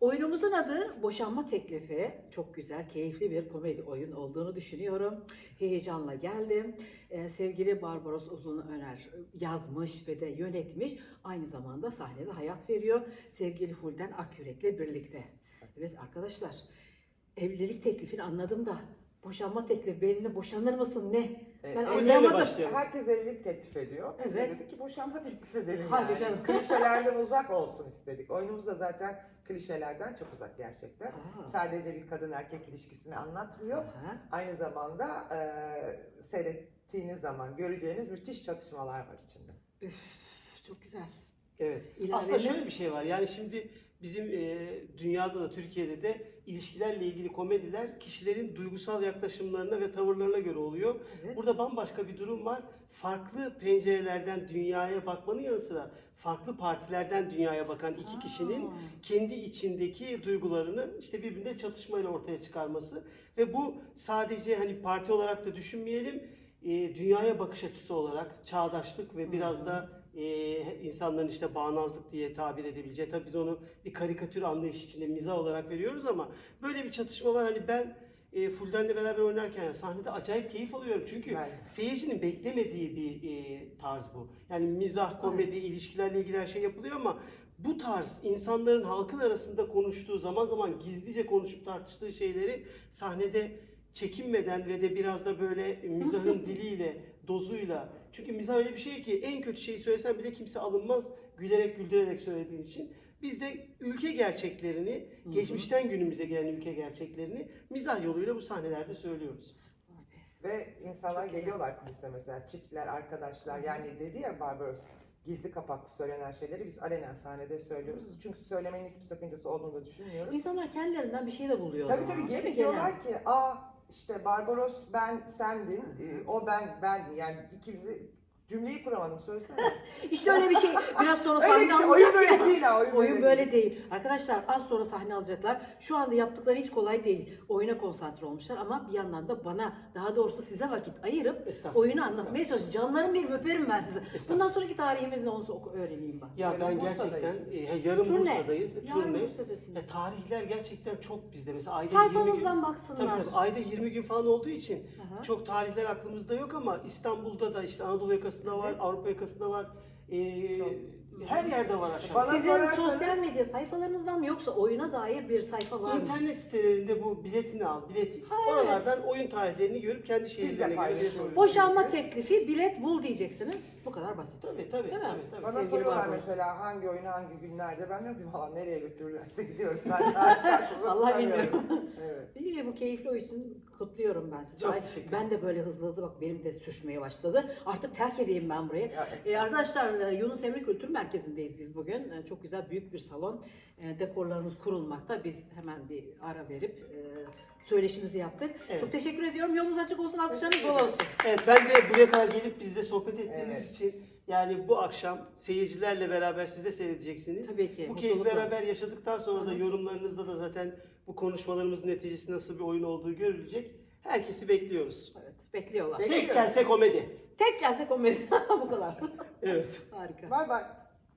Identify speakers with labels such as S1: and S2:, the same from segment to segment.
S1: Oyunumuzun adı Boşanma Teklifi. Çok güzel, keyifli bir komedi oyun olduğunu düşünüyorum. Heyecanla geldim. Sevgili Barbaros Uzunöner yazmış ve de yönetmiş. Aynı zamanda sahnede hayat veriyor. Sevgili Fulden Akyürek'le birlikte. Evet arkadaşlar, evlilik teklifini anladım da boşanma teklifi, benimle boşanır mısın ne? Ben anlayamadım.
S2: Herkes evlilik teklif ediyor. Biz de
S1: Evet.
S2: dedik ki boşanma teklif edelim
S1: Hadi
S2: yani.
S1: canım.
S2: Klişelerden uzak olsun istedik. Oyunumuz da zaten klişelerden çok uzak gerçekten.
S1: Aa.
S2: Sadece bir kadın erkek ilişkisini anlatmıyor.
S1: Aha.
S2: Aynı zamanda seyrettiğiniz zaman göreceğiniz müthiş çatışmalar var içinde.
S1: Üf, çok güzel.
S3: Evet.
S1: İlaveniz-
S3: Aslında şöyle bir şey var. Yani şimdi bizim dünyada da Türkiye'de de ilişkilerle ilgili komediler kişilerin duygusal yaklaşımlarına ve tavırlarına göre oluyor.
S1: Evet.
S3: Burada bambaşka bir durum var. Farklı pencerelerden dünyaya bakmanın yanı sıra farklı partilerden dünyaya bakan iki kişinin kendi içindeki duygularını işte birbirinde çatışmayla ortaya çıkarması ve bu sadece hani parti olarak da düşünmeyelim, dünyaya bakış açısı olarak çağdaşlık ve biraz da insanların işte bağnazlık diye tabir edebileceği, tabii biz onu bir karikatür anlayışı içinde mizah olarak veriyoruz ama böyle bir çatışma var. Hani ben Fulden'le beraber oynarken yani sahnede acayip keyif alıyorum çünkü seyircinin beklemediği bir tarz bu. Yani mizah, komedi, ilişkilerle ilgili her şey yapılıyor ama bu tarz insanların halkın arasında konuştuğu, zaman zaman gizlice konuşup tartıştığı şeyleri sahnede çekinmeden ve de biraz da böyle mizahın diliyle, dozuyla. Çünkü mizah öyle bir şey ki en kötü şeyi söylesen bile kimse alınmaz gülerek güldürerek söylediğin için. Biz de ülke gerçeklerini, geçmişten günümüze gelen ülke gerçeklerini mizah yoluyla bu sahnelerde söylüyoruz.
S2: Ve insanlar geliyorlar kulise mesela, çiftler, arkadaşlar. Yani dedi ya Barbaros, gizli kapaklı söylenen şeyleri biz alenen sahnede söylüyoruz. Çünkü söylemenin hiçbir sakıncası olduğunu da düşünmüyoruz.
S1: İnsanlar kendilerinden bir şey de buluyor.
S2: Tabii tabii, gelip diyorlar ki işte Barbaros ben sendin, o ben yani ikimizi cümleyi kuramadım, söylesene.
S1: İşte öyle bir şey. Biraz sonra
S2: Öyle
S1: sahne
S2: bir şey,
S1: alacak
S2: oyun böyle
S1: ya.
S2: değil ha,
S1: Oyun böyle değil. Arkadaşlar az sonra sahne alacaklar. Şu anda yaptıkları hiç kolay değil. Oyuna konsantre olmuşlar ama bir yandan da bana, daha doğrusu size vakit ayırıp oyunu anlatmaya çalışın. Canlarım benim, öperim ben sizi. Bundan sonraki tarihimiz ne olsa öğreneyim ben.
S3: Ya ben gerçekten yarın
S1: Turne.
S3: Bursa'dayız.
S1: Yarın
S3: Turne.
S1: Bursa'dasınız.
S3: Tarihler gerçekten çok bizde. Mesela ayda 20
S1: Sayfanızdan
S3: gün.
S1: baksınlar.
S3: Tabii, ayda 20 gün falan olduğu için
S1: Aha.
S3: çok tarihler aklımızda yok ama İstanbul'da da işte Anadolu yakasında var, Avrupa yakasında var. Her yerde var aşağı.
S2: Bana
S1: Sizin
S2: sorarsanız-
S1: sosyal medya sayfalarınızdan mı yoksa oyuna dair bir sayfa var mı?
S3: İnternet sitelerinde bu biletini al, biletix. Oralardan oyun tarihlerini görüp kendi şehirlerine göre
S2: paylaşıyoruz.
S3: bilet
S1: Boşanma teklifi, bilet bul diyeceksiniz. Bu kadar basit.
S3: Tabii
S1: Değil mi?
S3: tabii.
S2: Bana
S1: Sevgili
S2: soruyorlar
S1: Barbaros.
S2: mesela hangi oyunu hangi günlerde, ben diyorum ki valla nereye götürürlerse gidiyorum. Ben de artık aklımda
S1: Vallahi
S2: tutamıyorum.
S1: bilmiyorum.
S2: Evet.
S1: İyi, bu keyifli oyun için kutluyorum ben sizi.
S3: Çok
S1: Ay,
S3: teşekkür
S1: ben de böyle hızlı hızlı bak benim de sürçmeye başladı. Artık terk edeyim ben burayı.
S2: Ya, estağfurullah.
S1: Arkadaşlar Yunus Emre Kültür Merkezi'ndeyiz biz bugün. Çok güzel büyük bir salon. Dekorlarımız kurulmakta. Biz hemen bir ara verip söyleşimizi yaptık.
S3: Evet.
S1: Çok teşekkür ediyorum. Yolunuz açık olsun. Alkışlarınız bol olsun.
S3: Evet, ben de buraya kadar gelip bizle sohbet ettiğiniz
S2: Evet.
S3: için yani bu akşam seyircilerle beraber siz de seyredeceksiniz.
S1: Tabii ki,
S3: Bu keyfi
S1: mutlulukla.
S3: beraber yaşadıktan sonra da yorumlarınızda da zaten bu konuşmalarımızın neticesi nasıl bir oyun olduğu görülecek. Herkesi bekliyoruz.
S1: Evet, bekliyorlar.
S3: Tek kelse komedi.
S1: Tek gelse komedi. Bu kadar.
S3: Evet.
S1: Harika.
S2: Bay bay.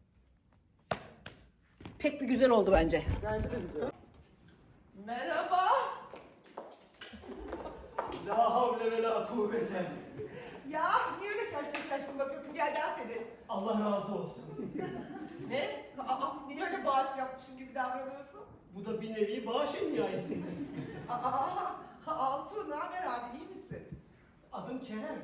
S1: Pek bir güzel oldu bence.
S2: Bence de güzel.
S4: Merhaba.
S3: La havle ve la kuvvete.
S4: Ya niye öyle şaşkın bakıyorsun? Gel dans edelim.
S3: Allah razı olsun.
S4: Ne? Niye öyle bağış yapmışım gibi davranıyorsun?
S3: Bu da bir nevi bağış en nihayeti.
S4: Altuğ, ne haber abi? İyi misin?
S3: Adım Kerem.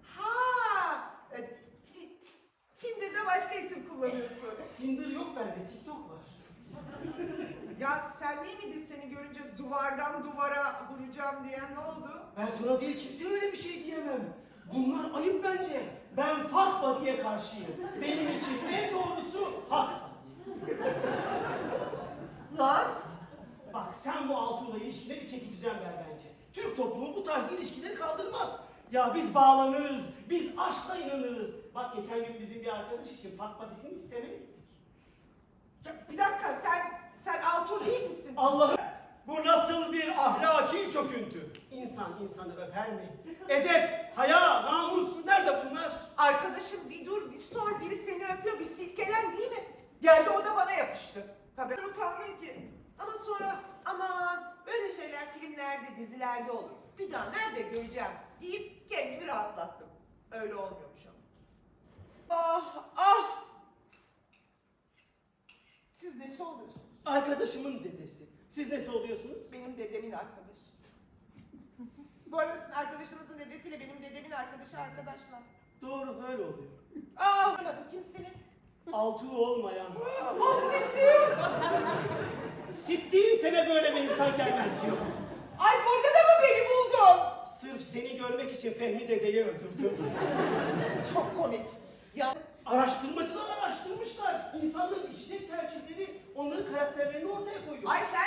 S4: Tinder'da başka isim kullanıyorsun.
S3: Tinder yok bende, TikTok var.
S4: Ya sen değil miydin seni görünce duvardan duvara vuracağım diyen, ne oldu?
S3: Ben sana diye kimseye öyle bir şey diyemem. Bunlar ayıp bence. Ben Fatma diye karşıyım. Benim için en doğrusu hak.
S4: Lan!
S3: Bak sen bu Altuğ'la ilişkine bir çeki düzen ver bence. Türk toplumu bu tarz ilişkileri kaldırmaz. Ya biz bağlanırız, biz aşkla inanırız. Bak geçen gün bizim bir arkadaş için Fatma dizisini istemeye gittik.
S4: Ya bir dakika, sen Altuğ değil misin?
S3: Allah'ım, bu nasıl bir ahlaki çöküntü? İnsan insanı öper mi? Edep, haya, namus nerede bunlar?
S4: Arkadaşım bir dur, bir sor. Biri seni öpüyor, bir silkelen değil mi? Geldi o da bana yapıştı. Tabii utandım ki. Ama filmlerde, dizilerde olur. Bir daha nerede göreceğim deyip kendimi rahatlattım. Öyle olmuyormuş ama. Ah ah! Siz nesi oluyorsunuz?
S3: Arkadaşımın dedesi. Siz nesi oluyorsunuz?
S4: Benim dedemin arkadaşı. Bu arada sizin arkadaşınızın dedesiyle benim dedemin arkadaşı arkadaşlar.
S3: Doğru, öyle oluyor.
S4: Anlamadım, kimsiniz?
S3: Altı olmayan.
S4: Ah siktir!
S3: Sittiğin sene böyle bir insan gelmez diyor.
S4: Ay burada da mı beni buldun?
S3: Sırf seni görmek için Fehmi dedeyi öldürdüm.
S4: Çok komik. Ya
S3: Araştırmacılar araştırmışlar. İnsanların içecek tercihleri onların karakterlerini ortaya koyuyor.
S4: ay sen